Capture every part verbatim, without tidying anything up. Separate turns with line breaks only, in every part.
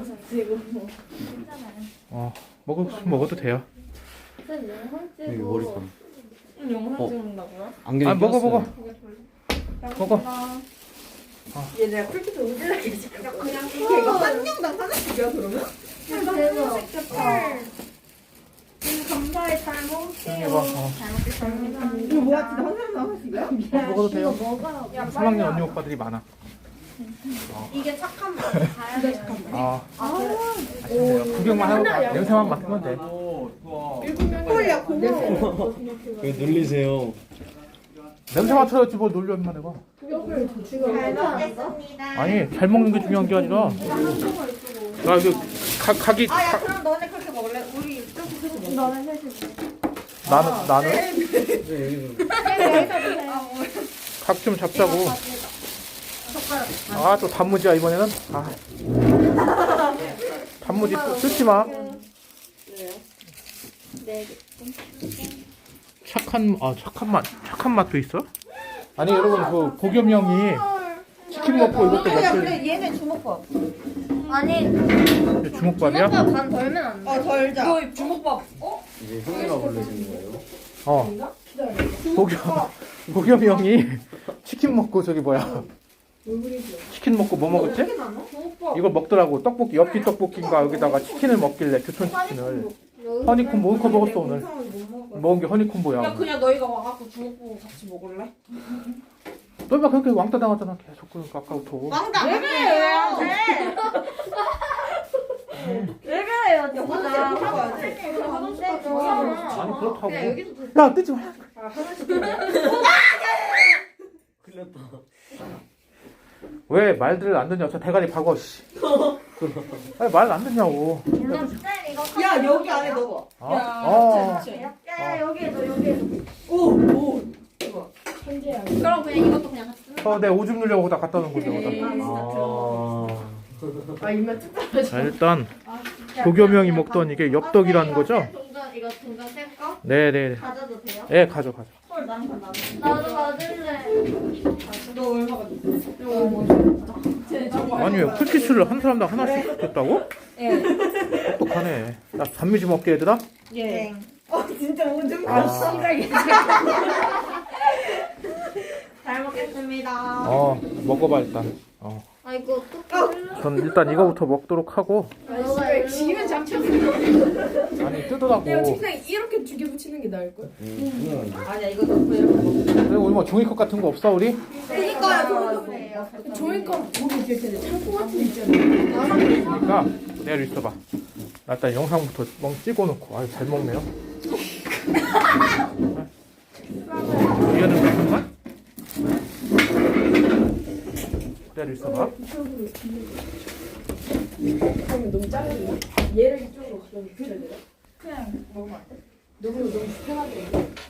영상 찍고.
어 먹어 먹어도 돼요.
쌤 영상
여기
찍고.
머리카락.
응, 영상
어.
찍는다고요?
안경이
아 먹어
꼈어요.
먹어. 먹어.
얘 내가 쿨피트 오질하게 시켰어.
그냥
이게 이거 한 명당 하나씩이야 그러면?
대박.
감사해 잘
조용히
먹을게요.
해봐. 어.
잘 먹겠습니다.
이거 뭐야 진짜 한 사람당 하나씩이야?
어, 먹어도 돼요.
먹어요.
삼 학년 언니 오빠들이 많아.
이게 착한 맛. 가야 돼.
아
아,
맛있네요. 구경만 하고 냄새만 맡으면 돼.
콜야 고마워.
왜 놀리세요?
냄새 맡아야지 뭘 놀려만 해봐.
잘 먹겠습니다.
아니 잘 먹는 게 중요한 게 아니라 나 이거 가, 각이
아야
가,
그럼 너네 그렇게 먹을래? 우리 이쪽에서 먹자.
너는 셋이
나는 나는
네, 여기서.
각 좀 잡자고. 아 또 단무지야 이번에는. 아 단무지 또 쓰지 마.
네.
착한 아 착한 맛 착한 맛도 있어? 아니 여러분 그 보겸이 형이 치킨 먹고 이것도
야
먹길
근데 얘네 주먹밥.
아니,
주먹밥이야?
주먹밥 반 덜면 안 돼.
어 덜자.
너 주먹밥 어?
이제 형이가 부르시는 거예요?
어 보겸 보겸이 형이 치킨 먹고 저기 뭐야 치킨 먹고 뭐 먹었지? 이걸 먹더라고 떡볶이 엽기 떡볶이인가 여기다가 치킨을 먹길래 교촌 치킨을 허니콤보 뭔거 먹었어 오늘 먹은 게
야
허니콤보야.
그냥 너희가 와갖고 주먹밥 같이 먹을래?
너가 그렇게 왕따 당하잖아 계속 그러니까 아까부터.
왕다.
왜 그래 왜 안 돼?
왜 그래요,
야
진짜.
화장실 가야 돼.
아니 그렇다고.
그냥 여기도 돼.
야 뜨지 마.
큰일났다.
왜 말들을 안 듣냐? 저 대가리 박어. 씨. 아니 말 안 듣냐고.
그냥 쌤 이거
야 여기 안에 넣어봐.
어?
야
어.
진짜
야, 야, 여기에도, 여기에도.
오 오.
그럼 그냥 이것도 그냥 같이 쓰는
어, 내 오줌 누려고 다 갖다 놓은 거지. 여기다.
아.
아 입맛 뚝
자 일단 도겸이 형이 먹던 이게 엽떡이라는 거죠?
동전, 이거 동전 쌤 거?
네네.
가져도 돼요?
예 가져 가져.
헐 나는 건 나는.
나도 가질래.
너 얼마가 줬어?
아니 왜 쿨키스를 한 사람당 하나씩 줬다고?
예.
똑똑하네. 야 단미 좀 먹게 얘들아.
예.
어 진짜 오줌
아.
잘 먹겠습니다.
어 먹어봐 일단. 어.
아, 이거 어떡해.
전 일단 이거부터 먹도록 하고.
너가 일로
지면 잡혔어.
아니 뜯으라고.
내가 책상 이렇게 두 개 붙이는 게 나을걸?
음,
아니야 이거 넣고 이렇게 먹어.
그리고 우리 뭐 종이컵 같은 거 없어 우리?
그니까요.
종이컵 거기 이렇게 창고 같은 거 있잖아.
그러니까 내일 있어봐. 나 일단 영상부터 멍 찍어놓고. 아유 잘 먹네요. 얘는 무슨 맛? 내일 있어봐.
그러면 너무 작은데? 얘를 이쪽으로 가면 붙여야 되나?
그냥 먹으면 안 돼?
너무 너무 편하게.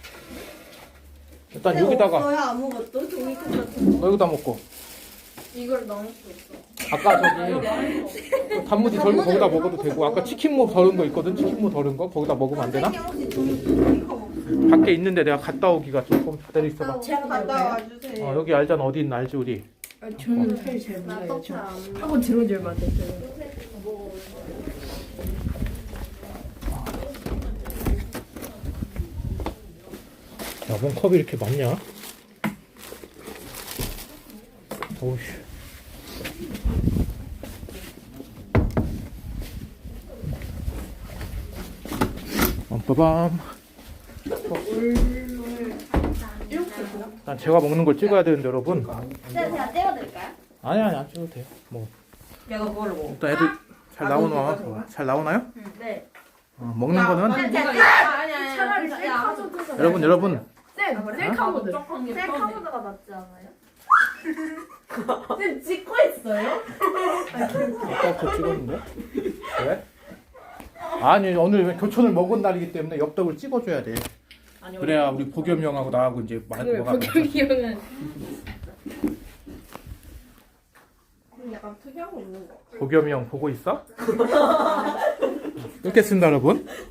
일단 여기다가
없어요 아무것도 종이컵 같은 거.
너 여기다 먹고.
이걸 넣을 수 있어.
아까 저기 단무지 덜고 거기다 먹어도 되고 아까 치킨무 덜은 거 있거든. 치킨무 덜은 거 거기다 먹으면 안 되나?
선생님 혹시 종이- 종이컵 없어요?
밖에 있는데 내가 갔다 오기가 조금 기다려 있어봐.
제가 갔다 와주세요.
어, 여기 알잖아 어디 있나 알지 우리.
아, 저는 사실 잘
나
몰라요.
떡
저
잘안 먹어.
한번 들어온 지 얼마 안 됐어요.
야, 뭔 컵이 이렇게 많냐? 오우씨. 빰빠밤. 난 제가 먹는 걸 찍어야 되는데 여러분.
쌤, 제가 떼어드릴까요?
아니 아니 안 찍어도 돼요. 뭐
야 너 그걸로 먹어.
일단 애들 잘 나오나? 잘 나오나요?
네.
어, 먹는 거는
쌤, 제가
아니 아니.
차라리 셀카보드.
여러분 여러분
쌤, 셀카보드.
셀카보드가 낫지 않아요?
쌤 찍고 있어요?
아까부터 찍었는데 왜? 아니 오늘 교촌을 먹은 날이기 때문에 엽떡을 찍어줘야 돼. 그래야 우리 보겸이 형하고 나하고 이제 마,
그래,
뭐가
박경이 형은 약간 특이한 거 있는 거.
보겸이 형 보고 있어? 끊겠습니다 여러분.